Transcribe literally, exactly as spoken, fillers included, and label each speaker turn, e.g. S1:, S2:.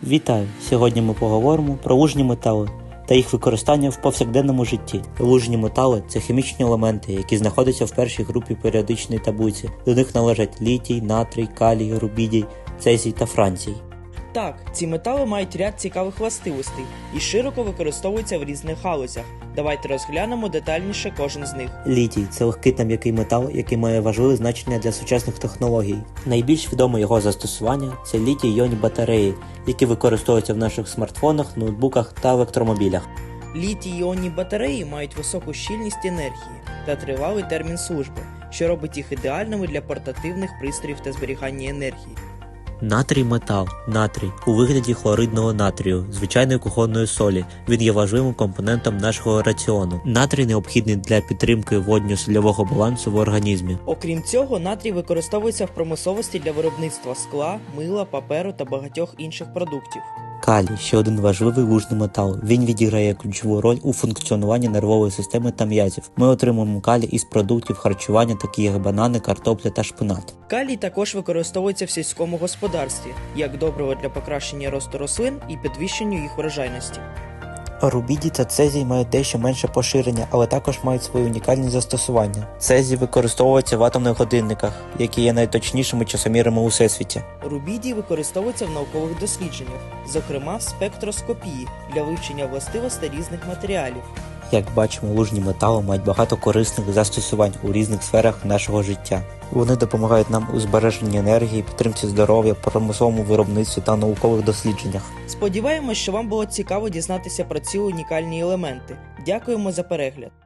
S1: Вітаю! Сьогодні ми поговоримо про лужні метали та їх використання в повсякденному житті. Лужні метали – це хімічні елементи, які знаходяться в першій групі періодичної таблиці. До них належать літій, натрій, калій, рубідій, цезій та францій.
S2: Так, ці метали мають ряд цікавих властивостей і широко використовуються в різних галузях. Давайте розглянемо детальніше кожен з них.
S1: Літій – це легкий та м'який метал, який має важливе значення для сучасних технологій. Найбільш відоме його застосування – це літій-іонні батареї, які використовуються в наших смартфонах, ноутбуках та електромобілях.
S2: Літій-іонні батареї мають високу щільність енергії та тривалий термін служби, що робить їх ідеальними для портативних пристроїв та зберігання енергії.
S1: Натрій метал. Натрій у вигляді хлоридного натрію, звичайної кухонної солі. Він є важливим компонентом нашого раціону. Натрій необхідний для підтримки водньо-сольового балансу в організмі.
S2: Окрім цього, натрій використовується в промисловості для виробництва скла, мила, паперу та багатьох інших продуктів.
S1: Калій – ще один важливий лужний метал. Він відіграє ключову роль у функціонуванні нервової системи та м'язів. Ми отримуємо калій із продуктів харчування, такі як банани, картопля та шпинат.
S2: Калій також використовується в сільському господарстві, як добриво для покращення росту рослин і підвищення їх врожайності.
S1: Рубідій та цезій мають дещо менше поширення, але також мають свої унікальні застосування. Цезій використовується в атомних годинниках, які є найточнішими часомірами у всесвіті.
S2: Рубідій використовується в наукових дослідженнях, зокрема в спектроскопії для вивчення властивостей різних матеріалів.
S1: Як бачимо, лужні метали мають багато корисних застосувань у різних сферах нашого життя. Вони допомагають нам у збереженні енергії, підтримці здоров'я, промисловому виробництві та наукових дослідженнях.
S2: Сподіваємось, що вам було цікаво дізнатися про ці унікальні елементи. Дякуємо за перегляд.